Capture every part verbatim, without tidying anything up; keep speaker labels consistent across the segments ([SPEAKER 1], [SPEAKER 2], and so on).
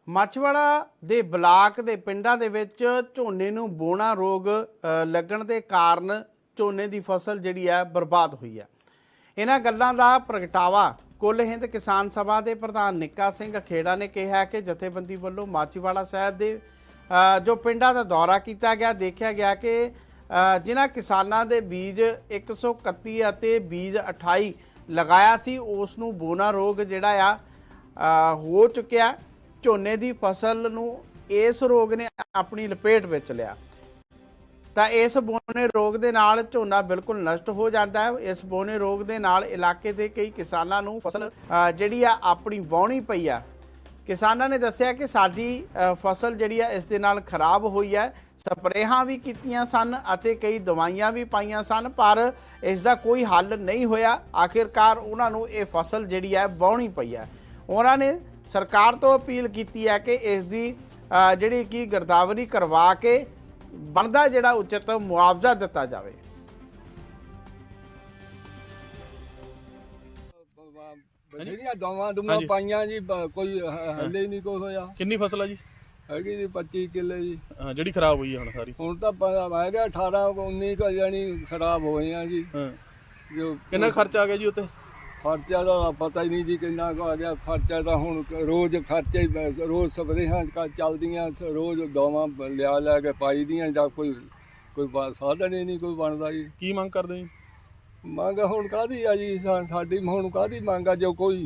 [SPEAKER 1] ਮਾਛੀਵਾੜਾ ਦੇ ਬਲਾਕ ਦੇ ਪਿੰਡਾਂ ਦੇ ਵਿੱਚ ਝੋਨੇ ਨੂੰ ਬੋਣਾ ਰੋਗ ਲੱਗਣ ਦੇ ਕਾਰਨ ਝੋਨੇ ਦੀ ਫਸਲ ਜਿਹੜੀ ਹੈ ਬਰਬਾਦ ਹੋਈ ਹੈ। ਇਹਨਾਂ ਗੱਲਾਂ ਦਾ ਪ੍ਰਗਟਾਵਾ ਕੁੱਲ ਹਿੰਦ ਕਿਸਾਨ ਸਭਾ ਦੇ ਪ੍ਰਧਾਨ ਨਿੱਕਾ ਸਿੰਘ ਖੇੜਾ ਨੇ ਕਿਹਾ ਕਿ ਜਥੇਬੰਦੀ ਵੱਲੋਂ ਮਾਛੀਵਾੜਾ ਸਾਹਿਬ ਦੇ ਜੋ ਪਿੰਡਾਂ ਦਾ ਦੌਰਾ ਕੀਤਾ ਗਿਆ, ਦੇਖਿਆ ਗਿਆ ਕਿ ਜਿਨ੍ਹਾਂ ਕਿਸਾਨਾਂ ਦੇ ਬੀਜ ਇੱਕ ਸੌ ਇਕੱਤੀ ਅਤੇ ਬੀਜ ਅਠਾਈ ਲਗਾਇਆ ਸੀ ਉਸ ਨੂੰ ਬੋਣਾ ਰੋਗ ਜਿਹੜਾ ਆ ਹੋ ਚੁੱਕਿਆ। ਝੋਨੇ ਦੀ ਫਸਲ ਨੂੰ ਇਸ ਰੋਗ ਨੇ ਆਪਣੀ ਲਪੇਟ ਵਿੱਚ ਲਿਆ ਤਾਂ ਇਸ ਬੋਨੇ ਰੋਗ ਦੇ ਨਾਲ ਝੋਨਾ ਬਿਲਕੁਲ ਨਸ਼ਟ ਹੋ ਜਾਂਦਾ ਹੈ। ਇਸ ਬੋਨੇ ਰੋਗ ਦੇ ਨਾਲ ਇਲਾਕੇ ਦੇ ਕਈ ਕਿਸਾਨਾਂ ਨੂੰ ਫਸਲ ਜਿਹੜੀ ਆ ਆਪਣੀ ਵਾਹੁਣੀ ਪਈ ਆ। ਕਿਸਾਨਾਂ ਨੇ ਦੱਸਿਆ ਕਿ ਸਾਡੀ ਫਸਲ ਜਿਹੜੀ ਆ ਇਸ ਦੇ ਨਾਲ ਖਰਾਬ ਹੋਈ ਹੈ। ਸਪਰੇਹਾਂ ਵੀ ਕੀਤੀਆਂ ਸਨ ਅਤੇ ਕਈ ਦਵਾਈਆਂ ਵੀ ਪਾਈਆਂ ਸਨ, ਪਰ ਇਸ ਦਾ ਕੋਈ ਹੱਲ ਨਹੀਂ ਹੋਇਆ। ਆਖਿਰਕਾਰ ਉਹਨਾਂ ਨੂੰ ਇਹ ਫਸਲ ਜਿਹੜੀ ਹੈ ਵਾਹੁਣੀ ਪਈ ਹੈ। ਉਹਨਾਂ ਨੇ ਸਰਕਾਰ ਤੋਂ ਅਪੀਲ ਕੀਤੀ ਹੈ ਕਿ ਇਸ ਦੀ ਜਿਹੜੀ ਕਿ ਗਿਰਦਾਵਰੀ ਕਰਵਾ ਕੇ ਬਣਦਾ ਜਿਹੜਾ ਉਚਿਤ ਮੁਆਵਜ਼ਾ ਦਿੱਤਾ ਜਾਵੇ।
[SPEAKER 2] ਜਿਹੜੀਆਂ ਦਵਾਵਾਂ ਦੁਮਾ ਪਾਈਆਂ ਜੀ ਕੋਈ ਹੱਲੇ ਨਹੀਂ ਕੁਛ ਹੋਇਆ।
[SPEAKER 3] ਕਿੰਨੀ ਫਸਲ ਆ ਜੀ?
[SPEAKER 2] ਹੈਗੀ ਜੀ ਪੱਚੀ ਕਿੱਲੇ ਜੀ।
[SPEAKER 3] ਹਾਂ, ਜਿਹੜੀ ਖਰਾਬ ਹੋਈ ਹੈ ਹੁਣ ਸਾਰੀ?
[SPEAKER 2] ਹੁਣ ਤਾਂ ਹੈਗਾ ਅਠਾਰਾਂ ਉੱਨੀ ਕੁ ਜਾਣੀ ਖਰਾਬ ਹੋਏ ਆ ਜੀ।
[SPEAKER 3] ਹਾਂ,
[SPEAKER 2] ਜੋ
[SPEAKER 3] ਕਿੰਨਾ ਖਰਚਾ ਆ ਗਿਆ ਜੀ ਉੱਤੇ?
[SPEAKER 2] ਖਰਚਾ ਦਾ ਪਤਾ ਹੀ ਨਹੀਂ ਜੀ ਕਿੰਨਾ ਕੁ ਆ ਗਿਆ। ਖਰਚਾ ਤਾਂ ਹੁਣ ਰੋਜ਼ ਖਰਚੇ ਰੋਜ਼ ਸਪਰੇਹਾਂ ਚੱਲਦੀਆਂ, ਰੋਜ਼ ਦਵਾਵਾਂ ਲਿਆ ਲੈ ਕੇ ਪਾਈ ਦੀਆਂ ਜਾਂ ਕੋਈ ਕੋਈ ਸਾਧਨ ਹੀ ਨਹੀਂ ਕੋਈ ਬਣਦਾ ਜੀ।
[SPEAKER 3] ਕੀ ਮੰਗ ਕਰਦੇ ਜੀ?
[SPEAKER 2] ਮੰਗ ਹੁਣ ਕਾਹਦੀ ਆ ਜੀ? ਸਾਡੀ ਹੁਣ ਕਾਹਦੀ ਮੰਗ ਆ? ਜੋ ਕੋਈ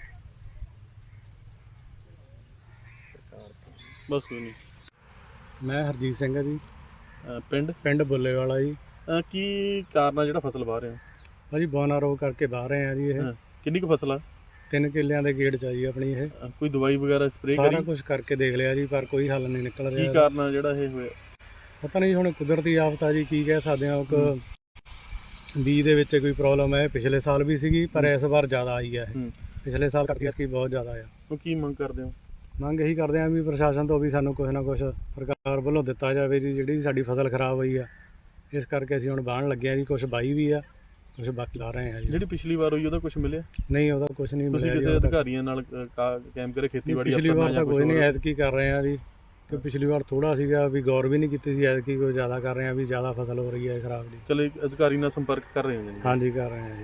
[SPEAKER 3] ਬਸ ਕੋਈ ਨਹੀਂ।
[SPEAKER 4] ਮੈਂ ਹਰਜੀਤ ਸਿੰਘ ਆ ਜੀ,
[SPEAKER 3] ਪਿੰਡ
[SPEAKER 4] ਪਿੰਡ ਬੁੱਲੇਵਾਲਾ ਜੀ।
[SPEAKER 3] ਕੀ ਕਾਰਨ ਆ ਜਿਹੜਾ ਫਸਲ ਵਾਹ ਰਹੇ ਹੋ?
[SPEAKER 4] ਭਾਜੀ ਬੋਨਾ ਰੋਗ ਕਰਕੇ ਬਾਹਰ ਰਹੇ ਆ ਜੀ। ਇਹ
[SPEAKER 3] ਕਿੰਨੀ ਕੁ ਫਸਲ ਆ?
[SPEAKER 4] ਤਿੰਨ ਕਿੱਲਿਆਂ ਦੇ ਗੇੜ ਚ ਆ ਜੀ ਆਪਣੀ। ਇਹ
[SPEAKER 3] ਕੋਈ ਦਵਾਈ ਵਗੈਰਾ ਸਪਰੇਅ ਕਰੀ?
[SPEAKER 4] ਸਾਰਾ ਕੁਝ ਕਰਕੇ ਦੇਖ ਲਿਆ ਜੀ, ਪਰ ਕੋਈ ਹੱਲ ਨਹੀਂ ਨਿਕਲ ਰਿਹਾ।
[SPEAKER 3] ਕੀ ਕਾਰਨ ਆ ਜਿਹੜਾ ਇਹ ਹੋਇਆ?
[SPEAKER 4] ਪਤਾ ਨਹੀਂ, ਹੁਣ ਕੁਦਰਤੀ ਆਫਤ ਆ ਜੀ, ਕੀ ਕਹਿ ਸਕਦੇ ਹਾਂ। ਇੱਕ ਬੀਜ ਦੇ ਵਿੱਚ ਕੋਈ ਪ੍ਰੋਬਲਮ ਹੈ, ਪਿਛਲੇ ਸਾਲ ਵੀ ਸੀਗੀ ਪਰ ਇਸ ਵਾਰ ਜ਼ਿਆਦਾ ਆਈ ਹੈ। ਇਹ ਪਿਛਲੇ ਸਾਲ ਕਰਕੇ ਇਸ ਕੀ ਬਹੁਤ ਜ਼ਿਆਦਾ ਆ।
[SPEAKER 3] ਉਹ ਕੀ ਮੰਗ ਕਰਦੇ ਹੋ?
[SPEAKER 4] ਮੰਗ ਇਹੀ ਕਰਦੇ ਹਾਂ ਵੀ ਪ੍ਰਸ਼ਾਸਨ ਤੋਂ ਵੀ ਸਾਨੂੰ ਕੁਛ ਨਾ ਕੁਛ ਸਰਕਾਰ ਵੱਲੋਂ ਦਿੱਤਾ ਜਾਵੇ ਜੀ। ਜਿਹੜੀ ਸਾਡੀ ਫਸਲ ਖਰਾਬ ਹੋਈ ਆ, ਇਸ ਕਰਕੇ ਅਸੀਂ ਹੁਣ ਵਾਹਣ ਲੱਗੇ ਆ ਜੀ। ਕੁਛ ਬਾਈ ਵੀ ਆ, ਕੁਛ ਬਾਕੀ ਲਾ ਰਹੇ ਆ ਜੀ।
[SPEAKER 3] ਜਿਹੜੀ ਪਿਛਲੀ ਵਾਰ ਹੋਈ ਉਹਦਾ ਕੁਝ ਮਿਲਿਆ?
[SPEAKER 4] ਨਹੀਂ, ਉਹਦਾ ਕੁਛ ਨਹੀਂ ਮਿਲਿਆ।
[SPEAKER 3] ਤੁਸੀਂ ਕਿਸੇ ਅਧਿਕਾਰੀਆਂ ਨਾਲ ਕੈਂਪ ਕਰੇ ਖੇਤੀਬਾੜੀ?
[SPEAKER 4] ਪਿਛਲੀ ਵਾਰ ਤਾਂ ਕੋਈ ਨਹੀਂ, ਐਤਕੀ ਕਰ ਰਹੇ ਆ ਜੀ। ਕਿ ਪਿਛਲੀ ਵਾਰ ਥੋੜਾ ਸੀਗਾ ਵੀ ਗੌਰ ਵੀ ਨਹੀਂ ਕੀਤੀ ਸੀ, ਐਤਕੀ ਕੋਈ ਜ਼ਿਆਦਾ ਕਰ ਰਹੇ ਆ ਵੀ ਜ਼ਿਆਦਾ ਫਸਲ ਹੋ ਰਹੀ ਹੈ ਖਰਾਬ ਦੀ।
[SPEAKER 3] ਚਲੋ ਅਧਿਕਾਰੀ ਨਾਲ ਸੰਪਰਕ ਕਰ ਰਹੇ ਹੋ ਜੀ?
[SPEAKER 4] ਹਾਂਜੀ, ਕਰ ਰਹੇ ਆ ਜੀ।